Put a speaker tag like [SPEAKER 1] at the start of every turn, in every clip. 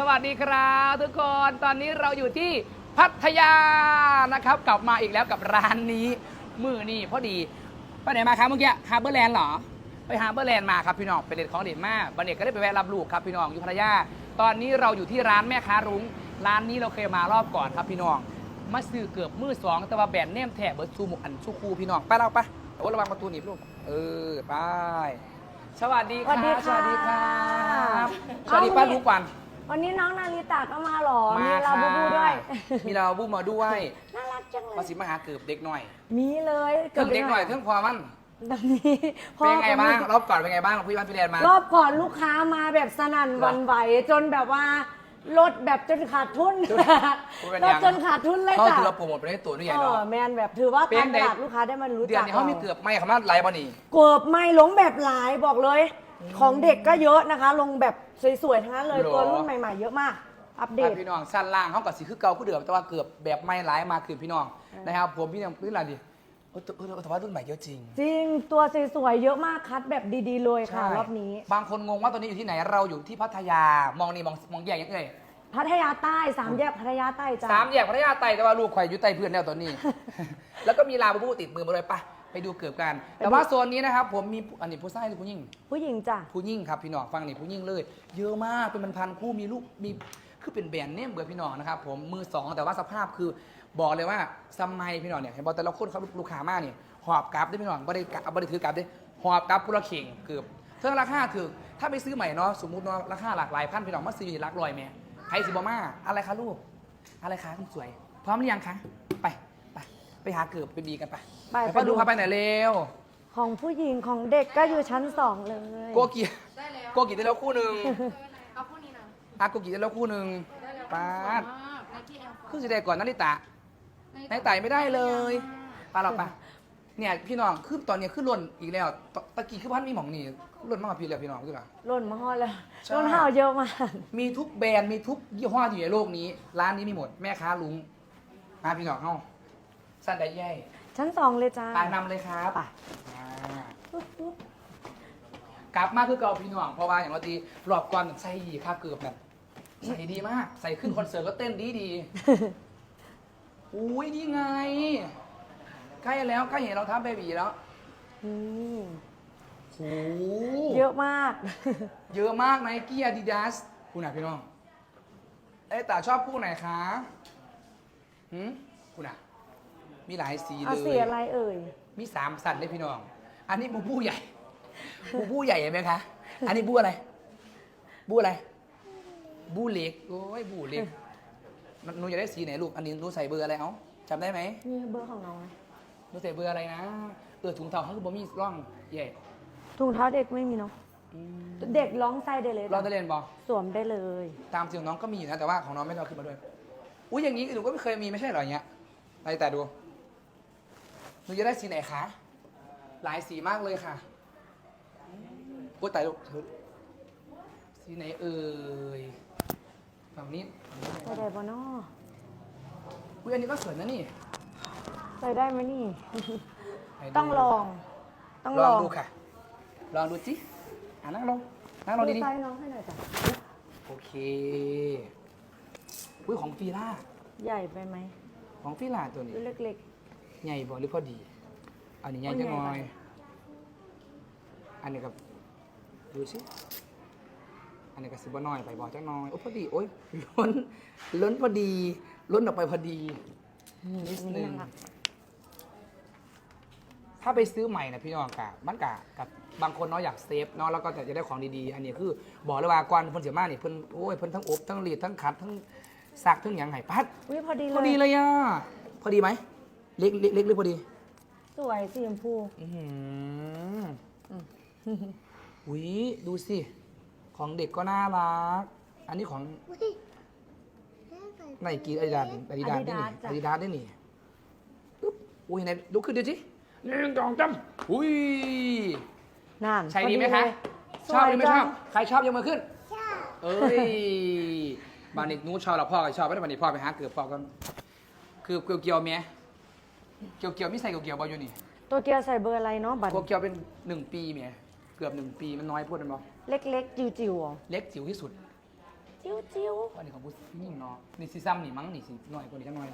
[SPEAKER 1] วัสดีครับทุกคนตอนนี้เราอยู่ที่พัทยานะครับกลับมาอีกแล้วกับร้านนี้มือนี่พอดีไปไหนมาครับเมื่อกี้ฮาร์เบอร์แลนด์เหรอไปฮาร์เบอร์แลนด์มาครับพี่น้องไปเด็ดของเด็ดมากบันเด็กก็ได้ไปแวะรับลูกครับพี่น้องอยู่พัทยาตอนนี้เราอยู่ที่ร้านแม่ค้ารุ้งร้านนี้เราเคยมารอบก่อนครับพี่น้องมาซื้อเกือบมือสองแต่ว่าแบรนด์เนมแถบเบิร์ดซูมุกอันชูคูพี่น้องไปเราไปโอ้ระวังประตูหนีบลูกไปสวัสดีครับสวัสดีครับสวัสดีป้าลูกวัน
[SPEAKER 2] วันนี้น้องนาริตะก็มาหรอ
[SPEAKER 1] มี
[SPEAKER 2] ลาบูบูด้วย
[SPEAKER 1] มีลาบูมาด้วย
[SPEAKER 2] น่ารักจังเลย
[SPEAKER 1] ภาษีมหาเกือบเด็กหน่อย
[SPEAKER 2] มีเลย
[SPEAKER 1] เกือบเด็กหน่อยเพิ่งพอมัน
[SPEAKER 2] แบบนี้
[SPEAKER 1] เป็นไงบ้างรอบก่อนเป็นไงบ้างพี่วันพี่แดนมาร
[SPEAKER 2] อบก่อนลูกค้ามาแบบสนั่นหวันไหวจนแบบว่าลดแบบจนขาดทุนลดจนขาดทุนเลย
[SPEAKER 1] เขา
[SPEAKER 2] จ้ะ
[SPEAKER 1] ถือเราโปรโมทไปได้ตัวด้วยใหญ่เนาะ
[SPEAKER 2] แมนแบบถือว่าการตลาดลูกค้าได้มารู้
[SPEAKER 1] เดือ
[SPEAKER 2] จั
[SPEAKER 1] น
[SPEAKER 2] ก
[SPEAKER 1] นี้เขามีเกือบไม่เขามาไลฟ์บอนี่
[SPEAKER 2] เกือบไม่ลงแบบหลายบอกเลย ของเด็กก็เยอะนะคะ ลงแบบสวยๆทั้งนั้นเลยตัวรุ่นใหม่ๆเยอะมากอัปเดต
[SPEAKER 1] พี่น้องสั้นล่างเขากับสีคือเก่าคือเดิมแต่ว่าเกือบแบบไม่ไลฟ์มาคือพี่น้องนะครับผมพี่น้องพื้นอะไรดิแต่ว่ารุ่นใหม่เยอะจริง
[SPEAKER 2] จริงตัวสวยๆเยอะมากคัดแบบดีๆเลยค่ะรอบนี้
[SPEAKER 1] บางคนงงว่าตอนนี้อยู่ที่ไหนเราอยู่ที่พัทยามองนี่มองแยกยังไง
[SPEAKER 2] พัทยาใต้3 แยกพัทยาใต้จ้ะ
[SPEAKER 1] 3 แยกพัทยาใต้แต่ว่าลูกข่อยอยู่ใต้เพื่อนแล้วตอนนี้ แล้วก็มีลาบูบูติดมือมาเลยปะไปดูเกือบกัน แต่ว่าโซนนี้นะครับผมมีอันนี้ผู้ชายหรือผู้หญิง
[SPEAKER 2] ผู้หญิงจ้ะ
[SPEAKER 1] ผู้หญิงครับพี่น้องฟังนี่ผู้หญิงเลย เยอะมากเป็นพันคู่มีลูกมีคือเป็นแบรนด์เนมเบอร์พี่น้องนะครับผมมือสองแต่ว่าสภาพคือบอกเลยว่าสมัยพี่น้องเนี่ยเห็นบอกแต่ละคนเขาลูกค้ามากเนี่ยหอบกลับได้พี่น้องไม่ได้ถือกลับได้หอบกลับพุละเข่งเกือบเท่าราคาถือถ้าไปซื้อใหม่เนาะสมมุติเนาะราคาหลากหลายพันพี่น้องมาซื้ออยู่หลักร้อยแม่ใครสิบอมาอะไรคะลูกอะไรคะคุณสวย พร้อมหรือยังคะไปหาเกือบไปบีกันไปดูพาไปไหนเร็ว
[SPEAKER 2] ของผู้หญิงของเด็กก็อยู่ชั้น2เลย
[SPEAKER 1] โกกิได้แล้วคู่หนึ่ง
[SPEAKER 3] เอาคู่นี้นะ
[SPEAKER 1] โกกิได้แล้วคู่หนึ่งป้าด
[SPEAKER 3] ไนกี้แอร์ฟอร์
[SPEAKER 1] ครึ่งสีแดงก่อนนาริตะนายไต่ไม่ได้เลยปาเราปะเนี่ยพี่น้องคือตอนนี้ขึ้นล้นอีกแล้วตะกี้คือพันมีหมองนี่ล้นมากกว่าพี่แล้วพี่น้องใช่ปะ
[SPEAKER 2] ล่นมาฮอดแล้ว
[SPEAKER 1] ใช่
[SPEAKER 2] ล่นห่าวเยอะมาก
[SPEAKER 1] มีทุกแบรนด์มีทุกยี่ห้อที่อยู่ในโลกนี้ ร้านนี้มีหมดแม่ค้าลุงมาพี่น้องเข้าสั้นได้แย่
[SPEAKER 2] ชั้น2เลยจ้า
[SPEAKER 1] ไปนำเลยครับ
[SPEAKER 2] ไป
[SPEAKER 1] อ่ากลับมาคือเก่าพี่น้องเพราะว่าอย่างเราตีรอบก่อนใส่ดีค่าเกือบแบบใส่ดีมากใส่ขึ้นคอนเสิร์ตก็เต้นดีอุ้ยนี่ไงใกล้แล้วใกล้เห็นเราท้าเบบีแล้ว
[SPEAKER 2] อืม
[SPEAKER 1] โอ้
[SPEAKER 2] เยอะมาก
[SPEAKER 1] เยอะมากไนกี้อาดิดาสคู่ไหนพี่น้องแต่ชอบคู่ไหนคะคู่ไหนมีหลายสีเล
[SPEAKER 2] เอา
[SPEAKER 1] ย
[SPEAKER 2] สีอะไรเอ่ย
[SPEAKER 1] มี3 สัตว์เลยพี่น้อง อันนี้บูใหญ่บูใหญ่เห็นไหมคะ อันนี้บูอะไร บูอะไร บูเล็ก โอ้ยบูเล็กหนูอยากได้สีไหนลูก อันนี้หนูใส่เบอร์อะไรเอ้าจำได้ไหม
[SPEAKER 2] นี่เบอร์ของน้องไหม
[SPEAKER 1] หนูใส่เบอร์อะไรนะถุงเท้าเขาคือบ่มีร่องใหญ่
[SPEAKER 2] ถุงเท้าเด็กไม่มีเนาะเด็กร้องไส้ได้เลย
[SPEAKER 1] ลองได้เรียนบอ
[SPEAKER 2] สวมได้เลย
[SPEAKER 1] ตามจริงของน้องก็มีอยู่นะ แต่ว่าของน้องไม่ได้เอาขึ้นมาด้วย อุ้ยอย่างนี้หนูก็ไม่เคยมีไม่ใช่เหรออย่างเงี้ยอะไรแต่ดูหนูจะได้สีไหนคะ หลายสีมากเลยค่ะโอ้ยตายลูกสีไหนเอ่ยฝั่งนี้
[SPEAKER 2] ใส่ได้ปะเนาะ
[SPEAKER 1] อุ้ยอันนี้ก็สวยนะนี่
[SPEAKER 2] ใส่ได้ไหมนี่
[SPEAKER 1] ไหนดู
[SPEAKER 2] ต้องลอง ต้อง
[SPEAKER 1] ล
[SPEAKER 2] ล
[SPEAKER 1] อ
[SPEAKER 2] อง ง
[SPEAKER 1] ดูค่ะ ลองดูสินั่งลงดี
[SPEAKER 2] ไซส์น้องให้หน่อยจ้ะ
[SPEAKER 1] ๆโอเคอุ้ยของฟีล่า
[SPEAKER 2] ใหญ่ไปไหม
[SPEAKER 1] ของฟีล่าตัวนี้
[SPEAKER 2] ดูเล็ก
[SPEAKER 1] ใหญ่บ่หรือพอดี อันนี้ใหญ่จังหน่อย อันนี้กับดูสิอันนี้ก็สิบ่น้อยไปบ่จังน้อยโอ้พอดีโอ้ยล้นพอดีล้นออกไปพอดี
[SPEAKER 2] ๆ
[SPEAKER 1] นิด
[SPEAKER 2] อัน
[SPEAKER 1] นึ
[SPEAKER 2] นี้
[SPEAKER 1] ง
[SPEAKER 2] น่ารัก
[SPEAKER 1] ถ้าไปซื้อใหม่นะพี่น้องกะมันกะกับบางคนเนาะอยากเซฟเนาะแล้วก็จะได้ของดีๆ อันนี้คือบอกเลยว่าก่อนเพิ่นเสียมากนี่เพิ่นโอ้ยเพิ่นทั้งอบทั้งรีดทั้งขัดทั้งซักทั้งหยังไห้ปัด
[SPEAKER 2] อุ้ยพอดีเลย
[SPEAKER 1] พอดีเลยอ่ะพอดีไหมเล็กหรือพอดี
[SPEAKER 2] สวยสีชมพู
[SPEAKER 1] อื้อหืออุ้ยดูสิของเด็กก็น่ารัก อันนี้ของไนกี้อาดิดาสได้นี่อาดิดาสได้นี่ปึ๊บอุ้ยไหนลุกขึ้นดูสิ1 2 3อุ้ย
[SPEAKER 2] นั่น
[SPEAKER 1] ใช้ดีไหม
[SPEAKER 2] พ
[SPEAKER 1] คะ
[SPEAKER 2] เลย
[SPEAKER 1] ชอบหรือไม่ชอบ
[SPEAKER 2] สวยจัง
[SPEAKER 1] ใครชอบยกมือขึ้น ชอบ เอ้ย บานิกนู้ชอบหรอพ่อก็ชอบไม่ได้บานิกพ่อไปหาเกือบพ่อกันคือเกี่ยวๆเมียเกี่ยวๆไม่ใส่เกี่ยวๆบอลอยู่นี่
[SPEAKER 2] ตัวเกียวใส่เบอร์อะไรเนาะบัตร
[SPEAKER 1] เกี่ยวเป็น1 ปีเมียเกือบ1 ปีมันน้อยพูดมันบอก
[SPEAKER 2] เล็กๆ จิ๋วๆอ๋อ
[SPEAKER 1] เล็กจิ๋วที่สุด
[SPEAKER 2] จจิ้วจิ้ว
[SPEAKER 1] อันนี้ของผู้นี่เนาะนี่ซีซั่มนี่มั้งนี่สิหน่อยกว่านี้จังหน่อย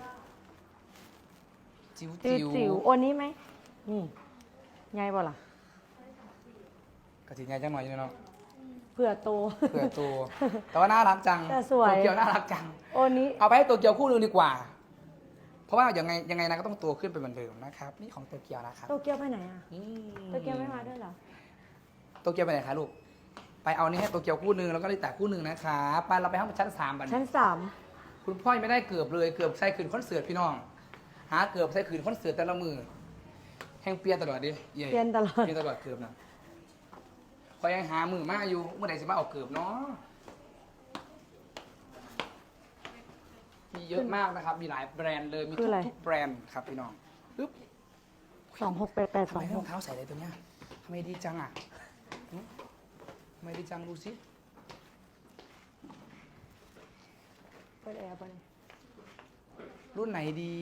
[SPEAKER 1] จิ๋ว
[SPEAKER 2] จิ๋ว
[SPEAKER 1] จิ๋ว
[SPEAKER 2] จิ๋วโอนนี้ไหมนี่ไงบ่ล่ะ
[SPEAKER 1] กระถิ่นไงจังหน่อยเนาะ
[SPEAKER 2] เผื่อโต
[SPEAKER 1] เผื่อตัวแต่ว่าน่ารักจัง
[SPEAKER 2] แต่สวย
[SPEAKER 1] โตเกียวน่ารักจัง
[SPEAKER 2] โอนนี้
[SPEAKER 1] เอาไปให้โตเกียวคู่หนึงดีกว่า เพราะว่ายังไงนะก็ต้องโตขึ้นเป็นเหมือนเดิมนะครับนี่ของโตเกียวนะครับ
[SPEAKER 2] โตเกียวไปไหนอ่ะ
[SPEAKER 1] อืม
[SPEAKER 2] โตเกียวไม่มาด้วยเหรอ
[SPEAKER 1] โตเกียวไปไหนคะลูกไปเอานี่ให้โตเกียวคู่หนึงแล้วก็ลิตาคู่หนึงนะครับไปเราไปห้องชั้น3บัน
[SPEAKER 2] ชั้น
[SPEAKER 1] คุณพ่อยังไม่ได้เกือบเลยเกือบใส่ขืนคอนเสิร์ตพี่น้องหาเกือบใส่ขืนคอนเสิร์ตแต่ละมือแห่งเปลี่ยนตลอดดิเย่
[SPEAKER 2] 3เปลี่ยนตลอด
[SPEAKER 1] เปลี่ยนตลอดเกือบนะคอยยังหามือมาอยู่เมื่อไหร่จะมาเอาเกือบเนาะมีเยอะมากนะครับมีหลายแบรนด์เลยมี
[SPEAKER 2] คืออะไร
[SPEAKER 1] ทุกแบรนด์ครับพี่น้องปึ๊บ
[SPEAKER 2] 2688
[SPEAKER 1] ทำไมให้รองเท้าใส่เลยตัวเนี้ยทำไมดีจังอ่ะหึทำไมดีจังดูสิ
[SPEAKER 2] เปิดแอร์ไปเลย
[SPEAKER 1] รุ่นไหนดี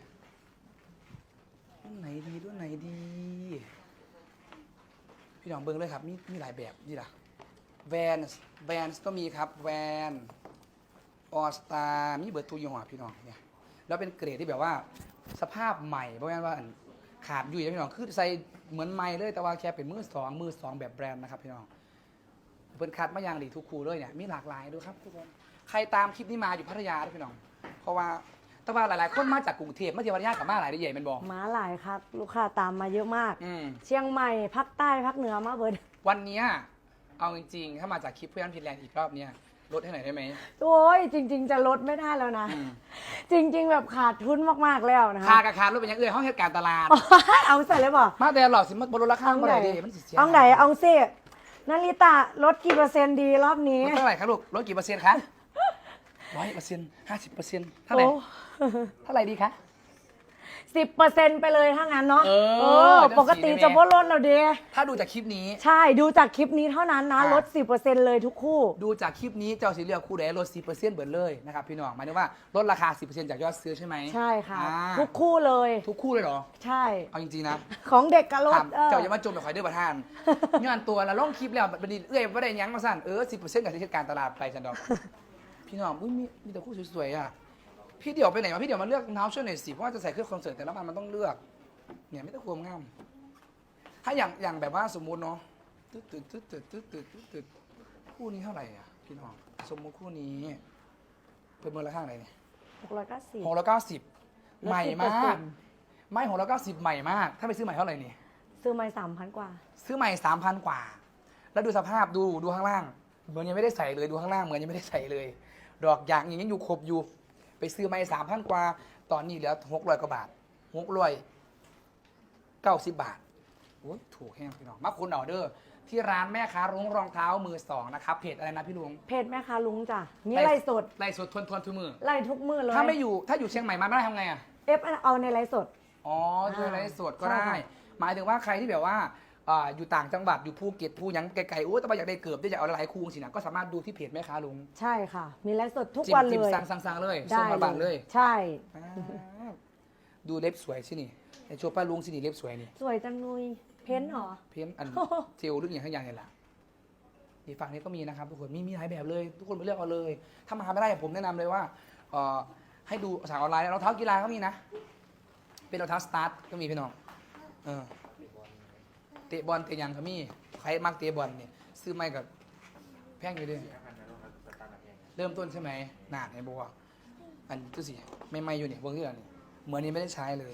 [SPEAKER 1] รุ่นไหนดีรุ่นไหนดี พี่น้องเบิ้งเลยครับมีหลายแบบนี่ล่ะแวนก็มีครับแวนออสตามีเบิร์ดทูยี่ห้อพี่น้องเนี่ยแล้วเป็นเกรดที่แบบว่าสภาพใหม่เพราะว่าอันขาดอยู่นะพี่น้องคือใส่เหมือนใหม่เลยแต่ว่าแค่เป็นมือสองแบบแบรนด์นะครับพี่น้องเพิ่นคัดมาอย่างดีทุกคู่เลยเนี่ยมีหลากหลายดูครับทุกคนใครตามคลิปนี้มาอยู่พัทยาด้วยพี่น้องเพราะว่าแต่ว่าหลายๆคนมาจากกรุงเทพมาเที่ยวพัทยากับมาหลายได้ใหญ่เป็นบอก
[SPEAKER 2] ม้าหลายครับ ลูกค้าตามมาเยอะมาก
[SPEAKER 1] อืม
[SPEAKER 2] เชียงใหม่ภาคใต้ภาคเหนือมาเบิด
[SPEAKER 1] วันเนี้ยเอาจริงๆ ถ้ามาจากคลิปเพื่อนพินแลนด์อีกรอบเนี้ยลดให้หน่อยได้ไหม
[SPEAKER 2] โอ้ยจริง ๆ จะลดไม่ได้แล้วนะ
[SPEAKER 1] อืม
[SPEAKER 2] จริง ๆ แบบขาดทุนมาก ๆ แล้วนะ
[SPEAKER 1] คา
[SPEAKER 2] คะ
[SPEAKER 1] กับคาลดเป็นอยังเอื่อยห้องเหตุการณ์ตลาด
[SPEAKER 2] เอาใส่เลยบ่
[SPEAKER 1] มาแต่หลอกสิมันบนรถราคา
[SPEAKER 2] เอา
[SPEAKER 1] เมื่อ
[SPEAKER 2] ไห
[SPEAKER 1] ไห
[SPEAKER 2] น
[SPEAKER 1] ร่ดิมันสิเสีย
[SPEAKER 2] เอาไหนเอาซินาริตะลดกี่เปอร์เซ็นต์ดีรอบนี้
[SPEAKER 1] ลดเท่าไหร่ครับลูกลดกี่เปอร์เซ็นต์คะ100% 50%เท่าไหร่
[SPEAKER 2] โอ้
[SPEAKER 1] เท่าไหร่ดีคะ
[SPEAKER 2] 10%ไปเลยถ้างั้นเนาะ
[SPEAKER 1] เออ
[SPEAKER 2] ปกติจะบ่ลดเราเด้
[SPEAKER 1] ถ้าดูจากคลิปนี้
[SPEAKER 2] ใช่ดูจากคลิปนี้เท่านั้นนะ
[SPEAKER 1] อ่ะ
[SPEAKER 2] ลด 10%เลยทุกคู่
[SPEAKER 1] ดูจากคลิปนี้เจ้าสีเลือกคู่ใดลด 10%เบิดเลยนะครับพี่น้องหมายถึงว่าลดราคา 10%จากยอดซื้อใช่ไหม
[SPEAKER 2] ใช่ค่ะ
[SPEAKER 1] อ่า
[SPEAKER 2] ทุกคู่เลย
[SPEAKER 1] ทุกคู่เลยเหรอ
[SPEAKER 2] ใช่
[SPEAKER 1] เอาจริงๆนะ
[SPEAKER 2] ของเด็กกับลด
[SPEAKER 1] ถามเจ้าอย่ามาจมกับข่อยเด้อประธาน ย้อนตัวแล้วลงคลิปแล้วบัดนี้เอ้ยบ่ได้หยังมาสั่น10%กับที่การตลาดไปฉันดอก พี่น้องอุ้ยมีแต่คู่สวยๆอ่ะพี่เดี่ยวไปไหนมาพี่เดี่ยวมาเลือกรองเท้าช่วยหน่อยสิเพราะว่าจะใส่เครื่องคอนเสิร์ตแต่ละวันมันต้องเลือกเนี่ยไม่ต้องความงามถ้าอย่างแบบว่าสมมุติเนาะตึ๊ดคู่นี้เท่าไหร่อ่ะพี่น้องสมมุติคู่นี้เป็นมูลค่าอะไรเนี่ย
[SPEAKER 2] 690
[SPEAKER 1] 690ใหม่มากไม่690ใหม่มากถ้าไปซื้อใหม่เท่าไหร่นี่
[SPEAKER 2] ซื้อมา3,000 กว่า
[SPEAKER 1] ซื้อใหม่ 3,000 กว่า แล้วดูสภาพดูข้างล่าง เหมือนยังไม่ได้ใส่เลยดูข้างล่างเหมือนยังไม่ได้ใส่เลย ดอกยางยังอยู่ครบอยู่ ไปซื้อใหม่ 3,000 กว่า ตอนนี้เหลือ600 กว่าบาท690 บาทโอ้ยถูกแห้งพี่น้องมาคุณออเดอร์ที่ร้านแม่ค้ารุ้งรองเท้ามือสองนะครับเพจอะไรนะพี่ลุง
[SPEAKER 2] เพจแม่ค้าลุงจ้ะนี่ไลฟ์สด
[SPEAKER 1] ไล่สดทวนทุกมือ
[SPEAKER 2] ไล่ทุกมือเลย
[SPEAKER 1] ถ้าอยู่เชียงใหม่มาไม่ได้ทำไงอ่ะ
[SPEAKER 2] เอาในไลฟ์สด
[SPEAKER 1] อ๋อช่วยไลฟ์สดก็
[SPEAKER 2] ใช่
[SPEAKER 1] ได้
[SPEAKER 2] ค่ะ
[SPEAKER 1] หมายถึงว่าใครที่แบบว่าอยู่ต่างจังหวัดอยู่ภูเก็ตภูหยังไกลๆโอ้แต่ว่าอยากได้เกือบได้อยากเอาหลายคู่สินะก็สามารถดูที่เพจแม่ค้าลุง
[SPEAKER 2] ใช่ค่ะ มีไลฟ์สดทุก
[SPEAKER 1] จิ้ม
[SPEAKER 2] วัน
[SPEAKER 1] จิ้ม
[SPEAKER 2] เลย
[SPEAKER 1] สั่งเลย
[SPEAKER 2] ได้
[SPEAKER 1] ส่งมาบ้านเลย
[SPEAKER 2] ใช่
[SPEAKER 1] อ่าดูเล็บสวยสินี่ไอโชว์ป้าลุงสินี่เล็บสวยนี่
[SPEAKER 2] สวยจังนุยเพ้นท์เหรอ
[SPEAKER 1] เพี้ยนอัน เจลหรืออย่างข้างอย่างเนี่ยแหละอีกฝั่งนี้ก็มีนะครับทุกคนมีหลายแบบเลย ทุกคนไปเลือกเอาเลย ถ้ามาไม่ได้ผมแนะนำเลยว่าให้ดูสั่งออนไลน์รองเท้ากีฬาก็มีนะ เป็นรองเท้าสตาร์ทก็มีพี่น้องเตะบอลเตะหยังก็มีใครมักเตะบอลเนี่ยซื้อไม่กับแพงอยู่ด้วยเริ่มต้นใช่ไหมหนาดไอ้บัวอันตู้สิไม่อยู่เนี่ยเบิ้งที่ไหนนี่เหมือนนี้ไม่ได้ใช้เลย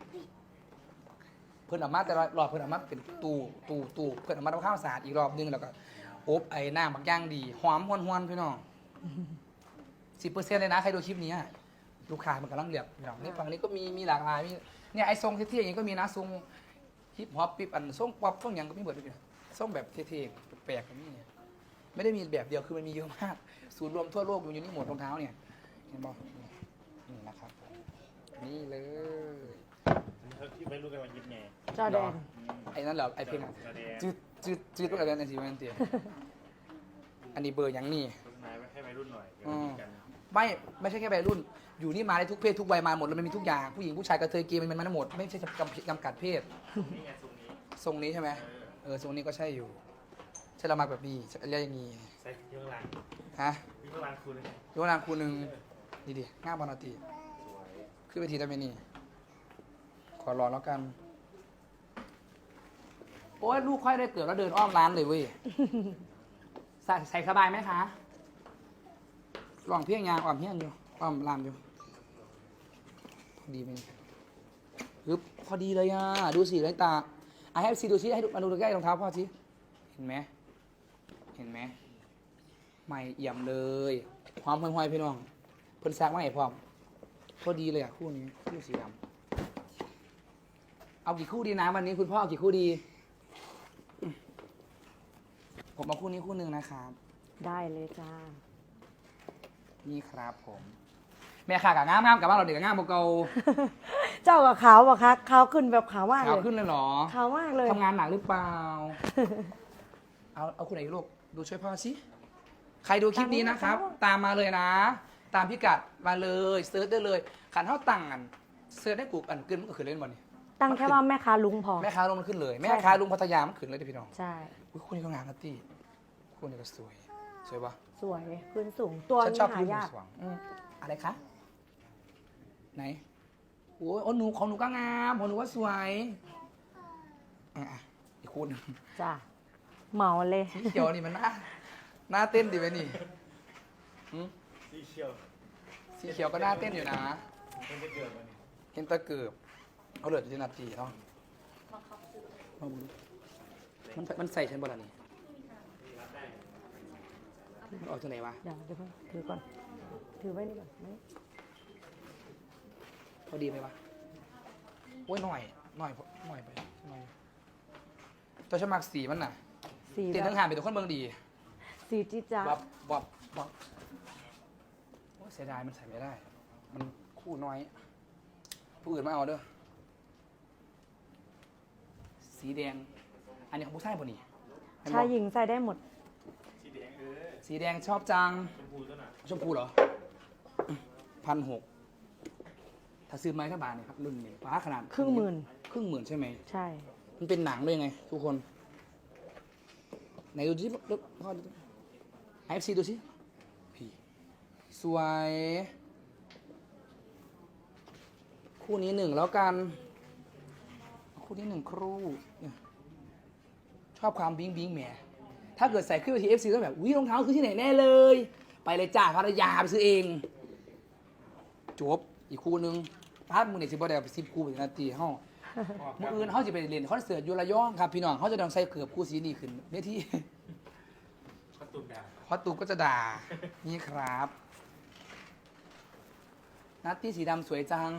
[SPEAKER 1] เพื่อนออกมาแต่ละรอบเพื่อนออกมาเป็นตู้เพื่อนออกมาทำข้าวสะอาดอีกรอบนึงแล้วก็อบไอ้น้ำบางอย่างดีหอมหวนๆพี่น้อง10%เลยนะใครดูคลิปนี้อะลูกค้ามันกำลังเลือกพี่น้องนี่ฝั่งนี้ก็มีหลากหลายมีเนี่ยไอ้ทรงเท่ๆอย่างนี้ก็มีนะทรงฮิปฮอปปิ๊บอันทรงป๊อปทรงหยังก็มีหมดเลยพี่น้องทรงแบบเท่ๆแปลกๆก็มีเนี่ยไม่ได้มีแบบเดียวคือมันมีเยอะมากศูนย์รวมทั่วโลกอยู่นี่หมดรองเท้าเนี่ยเห็นบ่นี่นะครับนี่เลย
[SPEAKER 4] ที่ไม่รู้กันว่ายิบไง
[SPEAKER 2] จอแดน
[SPEAKER 1] ไอ้นั่นเหรอไอ้เพลงอะจืดตัวอะไรนั่นสิมันเตียอันนี้เบอร์หยังนี่
[SPEAKER 4] โฆษณาให้วัยรุ่นหน่อย
[SPEAKER 1] อืม
[SPEAKER 4] กัน
[SPEAKER 1] ไม่ใช่แค่วัยรุ่น อยู่นี่มาได้ทุกเพศทุกวัยมาหมดเลยมันมีทุกอย่างผู้หญิงผู้ชายกระเทยเกย์มันมาหมดไม่ใช่จำกัดเพศ
[SPEAKER 4] นี่ไงทรงนี้
[SPEAKER 1] ทรงนี้ใช่ไหมทรงนี้ก็ใช่อยู่ใช่เรามาแบบนี้เรียกอย่างนี้
[SPEAKER 4] ใส่ยกหลัง
[SPEAKER 1] ฮะ
[SPEAKER 4] ยกหลังคุณเลย
[SPEAKER 1] ยกนางคูหนึ่งดีดิง่ามบอลตี
[SPEAKER 4] สวย
[SPEAKER 1] ขึ้นไปทีได้ไหมนี่ ขอรองแล้วกัน โอ้ยลูกค่อยได้เกิดแล้วเดินอ้อมร้านเลยเว้ย ใส่สบายไหมคะลองเพียงยางอ้อมเพียงอยู่อ้อมลามอยู่พอดีไหมฮึบพอดีเลยอ่ะ ดูสิไรตาให้ซีดูซิให้ดูมาดูใกล้รองเท้าพ่อสิเห็นไหมเห็นไหมใหม่เอี่ยมเลยความห้อยๆพี่น้องเพิ่นซักมาให้พร้อมพอดีเลยอ่ะคู่นี้คู่สีดำเอากี่คู่ดีนะวันนี้คุณพ่อเอากี่คู่ดีผมเอาคู่นี้คู่หนึ่งนะครับ
[SPEAKER 2] ได้เลยจ้า
[SPEAKER 1] นี่ครับผมแม่ข่ากับง่ามกับบ้านเราเด็กกับง่ามโมเกา
[SPEAKER 2] เจ้ากับขาวอะคะขาวขึ้นแบบขาวมาก
[SPEAKER 1] ขาว
[SPEAKER 2] เลย
[SPEAKER 1] ขึ้นเลยเหรอ
[SPEAKER 2] ขาวมากเลย
[SPEAKER 1] ทำงานหนักหรือเปล่า เอาคุณไหนลูกดูช่วยพ่อสิใครดูคลิปนี้นะครับ ตามมาเลยนะ ตามพิกัดมาเลยเซิร์ชได้เลยขันเท่าตังกันเซิร์ชได้กูอันขึ้นมันก็ขึ้นเล่นบอลนี่
[SPEAKER 2] ตั้งแค่ว่าแม่ค้าลุงพอ
[SPEAKER 1] แม่ค้าลงมันขึ้นเลย แม่
[SPEAKER 2] ใช่
[SPEAKER 1] ค้า
[SPEAKER 2] ค่ะ
[SPEAKER 1] ลุงพัทยามันขึ้นเลยเด้อพี่น้อง
[SPEAKER 2] ใช่
[SPEAKER 1] อุ๊ยคู่นี้ก็งามนะตี้คู่นี้ก็สวยสวยปะ
[SPEAKER 2] สวยพื้นสูงตัว
[SPEAKER 1] ฉัน
[SPEAKER 2] นี้
[SPEAKER 1] ชอบ
[SPEAKER 2] หา
[SPEAKER 1] พื้น
[SPEAKER 2] ยาก
[SPEAKER 1] สว่างอะไรคะไหนโอ้ยหนูของหนูก็งามของหนูก็สวยอ่ะอีกคู่หนึง
[SPEAKER 2] จ้าเหมาเลย
[SPEAKER 1] สีเขียวนี่มันน่าเต้นดีไหมนี่หืม
[SPEAKER 4] สีเขียว
[SPEAKER 1] สีเขียวก็น่าเต้นอยู่นะ
[SPEAKER 4] มันจะเกิดมันนี่
[SPEAKER 1] เห็นตะเกือบเอาเหลือที่นาทีเนาะมันใส่ฉันบ่ล่ะนี่มันออกจากไหนวะ
[SPEAKER 2] เดี๋ยวเพิ่งถือก่อน ถือไว้นี่ก่อนไหม
[SPEAKER 1] พอดีไหมวะโอ้ยหน่อยไปหน่อยตัวฉมักสีมันน่ะ
[SPEAKER 2] สี
[SPEAKER 1] เตียน
[SPEAKER 2] แบ
[SPEAKER 1] ทั้ง
[SPEAKER 2] บ
[SPEAKER 1] หานเป็นตัวคนเมืองดี
[SPEAKER 2] สีจี๊ดจ๊าด
[SPEAKER 1] วับโอ้ยเสียดายมันใส่ไม่ได้ มันคู่น้อย ผู้อื่นมาเอาเด้อสีแดง อันนี้ของผู้ชายป่ะนี่เห็นบ่
[SPEAKER 2] ชายหญิงใส่ได้หมด
[SPEAKER 4] สีแดง
[SPEAKER 1] สีแดงชอบจัง
[SPEAKER 4] ชมพูตัวน่ะ
[SPEAKER 1] ชมพูเหรอ1,600ถ้าซื้อไม้ถ้าบาทเนี่ยครับรุ่นนี้ป้าขนาด
[SPEAKER 2] ครึ่งหมื่น
[SPEAKER 1] ครึ่งหมื่นใช่ไหม
[SPEAKER 2] ใช่
[SPEAKER 1] มันเป็นหนังด้วยไง ทุกคน ไหนดูสิพ่อดูไอฟซีดูสิพี่สวย คู่นี้หนึ่งแล้วกัน คู่นี้หนึ่งครู่เนี่ยชอบความบิงแหมถ้าเกิดใส่ขึ้นไปทีเอฟซีก็แบบวิรองเท้าคือที่ไหนแน่เลย ไปเลยจ้าพัทยาไปซื้อเอง จบ อีกคู่หนึงพาดมือเนี่ยสิบวันเดียวไป10 คู่เป็นนาทีห้องมืออื่นเขาจะไปเรียนคอนเสิร์ตอยูระยองครับพี่น้องเขาจะต้องใส่เกือบคู่สีนี่ขึ้นเนี่ยที่
[SPEAKER 4] ประตูดา
[SPEAKER 1] เพราะตูก็จะด่า นี่ครับ นัตตี้สีดำสวยจัง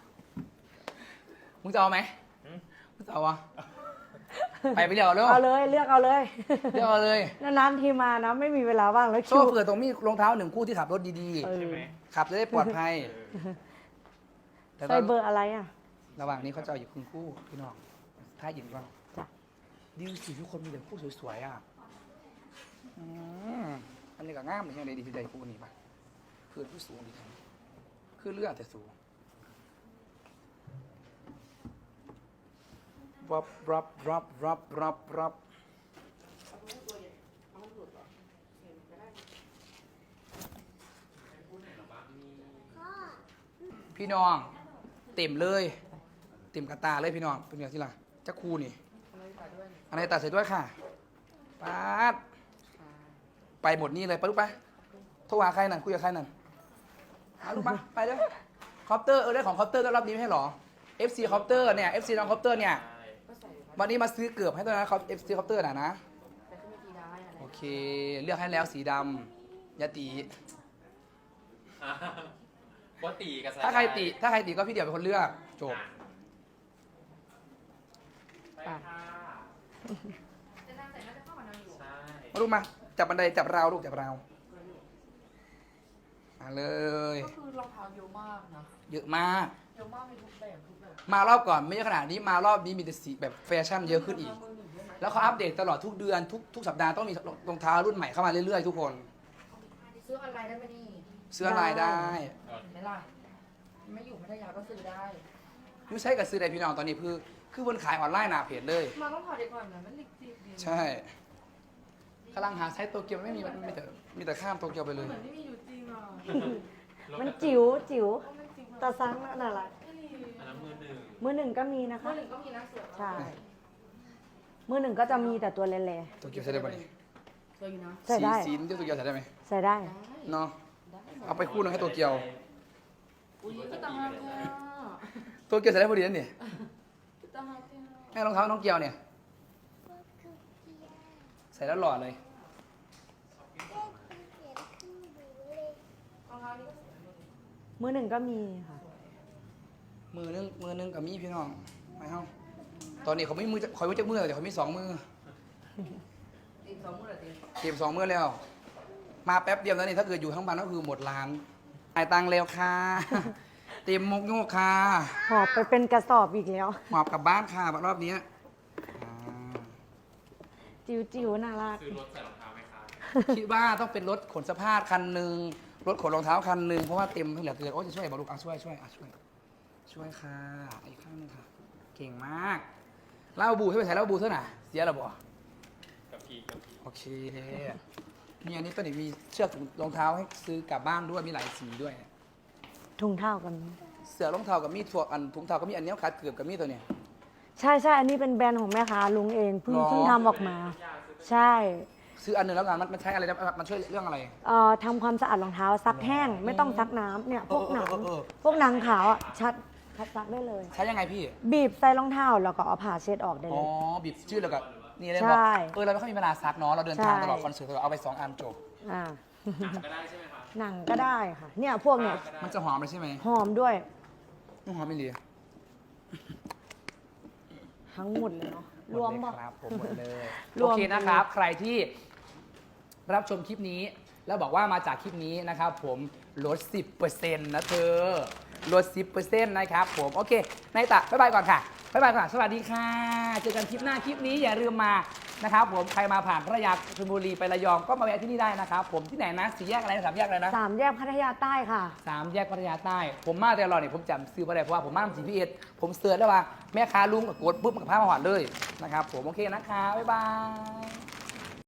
[SPEAKER 1] มึงจะเอาไหมมึงจะเอาวะ ไปเรียกเอาเร็ว
[SPEAKER 2] เอาเลยเลือกเอาเลย
[SPEAKER 1] เรียกเอาเลย
[SPEAKER 2] นานๆทีมานะไม่มีเวลาว่างแล้ว
[SPEAKER 1] โซ่เผื่อตรงมีรองเท้า1 คู่ที่ขับรถดี
[SPEAKER 2] เออ
[SPEAKER 4] ใช่ไหม
[SPEAKER 1] ๆ ขับจะได้ปลอดภัยแต่
[SPEAKER 2] ใส่เบอร์อะไรอ่ะ
[SPEAKER 1] ระหว่างนี้เขาจะเอาอยู่ครึ่งคู่พี่น้องถ้าหญิงก็
[SPEAKER 2] จ้ะ
[SPEAKER 1] ดิวสิทุกคนมีแต่คู่สวยๆอ่ะอันนี้ก็งามเลยยังไงดีพี่ใจคู่นี้ปะคือผู้สูงดีจังคือเลือดแต่สูงรับพี่น้อง เต็มเลย เต็มกระตาเลยพี่น้องเป็นไงที่ล่ะจะคู่นี่อะไรตัดเสร็จด้วยค่ะป๊าดไปหมดนี่เลยไปลูกไปโทรหาใครนั่นคุยกับใครนั่นหาลูกมาไปเด้อคอปเตอร์ได้ของคอปเตอร์ต้อนรับนี้ไม่ใช่หรอ FC คอปเตอร์เนี่ย FC น้องคอปเตอร์เนี่ยวันนี้มาซื้อเกือบให้ด้วยนะ FC คอปเตอร์นะโอเค เลือกให้แล้วสีดำยาตี
[SPEAKER 5] ปกติกับ
[SPEAKER 1] ถ้าใครติก็พี่เดี่ยวเป็นคนเลือกจบ
[SPEAKER 5] ไปค่ะ
[SPEAKER 3] จะนั่งใส่น่าจะเข้ากับนางอยู่
[SPEAKER 5] ใช่
[SPEAKER 1] มาลูกมาจับบันไดจับราวลูกจับราวมาเลย
[SPEAKER 6] ก็คือรองเท้าเยอะมากนะ
[SPEAKER 1] เยอะมาก
[SPEAKER 6] เยอะมากมีทุกแบบทุกแบบ
[SPEAKER 1] มารอบก่อนไม่ใช่ขนาดนี้มารอบนี้มีแต่สีแบบแฟชั่นเยอะขึ้นอีก
[SPEAKER 6] มือหนึ่งด้วยไหม
[SPEAKER 1] แล้วเขาอัปเดตตลอดทุกเดือนทุกสัปดาห์ต้องมีรองเท้ารุ่นใหม่เข้ามาเรื่อยๆทุกคน
[SPEAKER 6] ซื้อออนไลน์ได้ไหมนี่
[SPEAKER 1] เสื้อลายได้
[SPEAKER 6] เห็นไหมล่ะไม่อยู่พัทยาก็ซื้อได้
[SPEAKER 1] ยูใช้กับซื้อได้พี่น้องตอนนี้คือบนขายออนไลน์หน้าเพจเลย
[SPEAKER 6] มาต้องถอดดีก่อนนะมันลิกจิบดี
[SPEAKER 1] ใช่ มกำลังหาไซส์โตเกียวไม่มีมันมีแต่ข้ามโตเกียวไปเลย
[SPEAKER 3] เหมือนที่มีอยู่จริงอ่ะ
[SPEAKER 2] มันจิ๋วจิ๋วตาซังน่ารัก
[SPEAKER 5] อันนั้นมือหนึ่ง
[SPEAKER 2] มือหนึ่งก็มีนะคะ
[SPEAKER 3] เมื่อหนึ่งก็มีนะสวย
[SPEAKER 2] ใช่ มือหนึ่งก็จะมีแต่ตัวเล่
[SPEAKER 1] โตเกียวใส่ได้ปะนี่
[SPEAKER 3] สวยอยู่นะ
[SPEAKER 2] ๆใส่ได้
[SPEAKER 1] สีเดียวโตเกียวใส่ได้ไหม
[SPEAKER 2] ใส่ได้
[SPEAKER 1] เนาะเอาไปคู่หนึงให้โตเกียว
[SPEAKER 3] อุ้ยก็ตาฮักแท้
[SPEAKER 1] โตเกียวใส่ได้พอดีนั่นนี่
[SPEAKER 3] ตาฮักแท้
[SPEAKER 1] ให้รองเท้าน้องเกียวเนี่ยใส่แล้วหล่อเลย
[SPEAKER 3] รองเท้านี้ก็สวย
[SPEAKER 2] มือหนึ่งก็มีค่ะ
[SPEAKER 1] มือนึงกับมีพี่น้องไม่เฮาตอนนี้เขาไม่มือคอยมือจักมือแต่เขามีสองมือ
[SPEAKER 3] ตีสองมือละตี
[SPEAKER 1] เก็บสองมือแล้ว มาแป๊บเดียวแล้วนี่ถ้าเกิดอยู่ทั้งวันก็คือหมดร้านจ่ายตังค์เร็วค่ะ เต็มมกโยกค่ะ
[SPEAKER 2] หอบไปเป็นกระสอบอีกแล้ว
[SPEAKER 1] หอบกลับบ้านค่ะรอบนี้อ่า
[SPEAKER 2] จิ๋วๆน่ารัก
[SPEAKER 5] ซื้อรถใส่รองเท้าไหมคะ
[SPEAKER 1] คิดว่าต้องเป็นรถขนเสภาพคันหนึ่งรถขนรองเท้าคันหนึ่งเพราะว่าเต็มเหลือเกินโอ้จะช่วยบอกลูกช่วยค่ะอีกข้างหนึงค่ะ เก่งมากเล่าบูให้ไปใส่เล่าบูเท่าไหร่เสียหรอบ่
[SPEAKER 5] กับพี่
[SPEAKER 1] โอเคมีอันนี้ตัวนี้มีเชือกรองเท้าให้ซื้อกลับบ้านด้วยมีหลายสีด้วย
[SPEAKER 2] ถุงเท้ากัน
[SPEAKER 1] เสือรองเท้ากับมีดถั่วอันถุงเท้าก็มีอันเนี้ยขาดเกือบกับมีดตัวเนี้ย
[SPEAKER 2] ใช่ใช่อันนี้เป็นแบรนด์ของแม่ค้าลุงเองเพิ่ง
[SPEAKER 1] หรอ
[SPEAKER 2] เพิ่งทำออกมา ใช่
[SPEAKER 1] ซื้ออันหนึ่งแล้วกันมันใช้อะไรนะมันช่วยเรื่องอะไร
[SPEAKER 2] ทำความสะอาดรองเท้าซักแห้ง ไม่ต้องซักน้ำเนี่ยพวกหนัง
[SPEAKER 1] เออ
[SPEAKER 2] พวกหนังขาวอ่ะชัดซักได้เลย
[SPEAKER 1] ใช้ยังไงพี่
[SPEAKER 2] บีบใส่รองเท้าแล้วก็เอาผ้าเช็ดออกได้
[SPEAKER 1] อ๋
[SPEAKER 2] เล
[SPEAKER 1] อย บีบชื่อแล้วก็นี่เลย
[SPEAKER 2] ใช่
[SPEAKER 1] บอกเราไม่ค่อยมีเวลาซักเนาะเราเดินทาง
[SPEAKER 2] ใช่
[SPEAKER 1] ตลอดคอนเสิร์ตเราเอาไป2 อันจบ
[SPEAKER 2] อ่า
[SPEAKER 5] หนังก็ได้ใช่ไหมคะ
[SPEAKER 2] หนังก็ได้ค่ะ เนี่ยพวกเนี่ย
[SPEAKER 1] มันจะหอมเลยใช่ไหม
[SPEAKER 2] หอมด้วย
[SPEAKER 1] ไม่หอมไม่ดี
[SPEAKER 2] ทั้งหมดเลยเนาะรวม
[SPEAKER 1] ห
[SPEAKER 2] บอก
[SPEAKER 1] ดเลยครับผมหมดเลย
[SPEAKER 2] ร
[SPEAKER 1] โอ
[SPEAKER 2] วม
[SPEAKER 1] เคนะครับ ใครที่รับชมคลิปนี้ แล้วบอกว่ามาจากคลิปนี้นะครับผมลด 10%นะเธอลด 10%นะครับผมโอเคนายตะบ๊ายบายก่อนค่ะบ๊ายบายก่อนสวัสดีค่ะ เจอกันคลิปหน้าคลิปนี้อย่าลืมมานะครับผมใครมาผ่านพัทยาชลบุรีไประยองก็มาแวะที่นี่ได้นะครับผมที่ไหนนะสี่แยกอะไรนะสามแยกอะไรนะ
[SPEAKER 2] 3 แยกพัทยาใต้ค่ะ
[SPEAKER 1] 3 แยกพัทยาใต้ ผมมาแต่ตลอดเนี่ยผมจำซื้อมาได้เพราะว่าผมมาทำ GPS ผมเสิร์ชได้ว่าแม่ค้าลุงกับกดปุ๊บมันกับผ้ามาหอดเลยนะครับผมโอเคนะคะบ๊ายบาย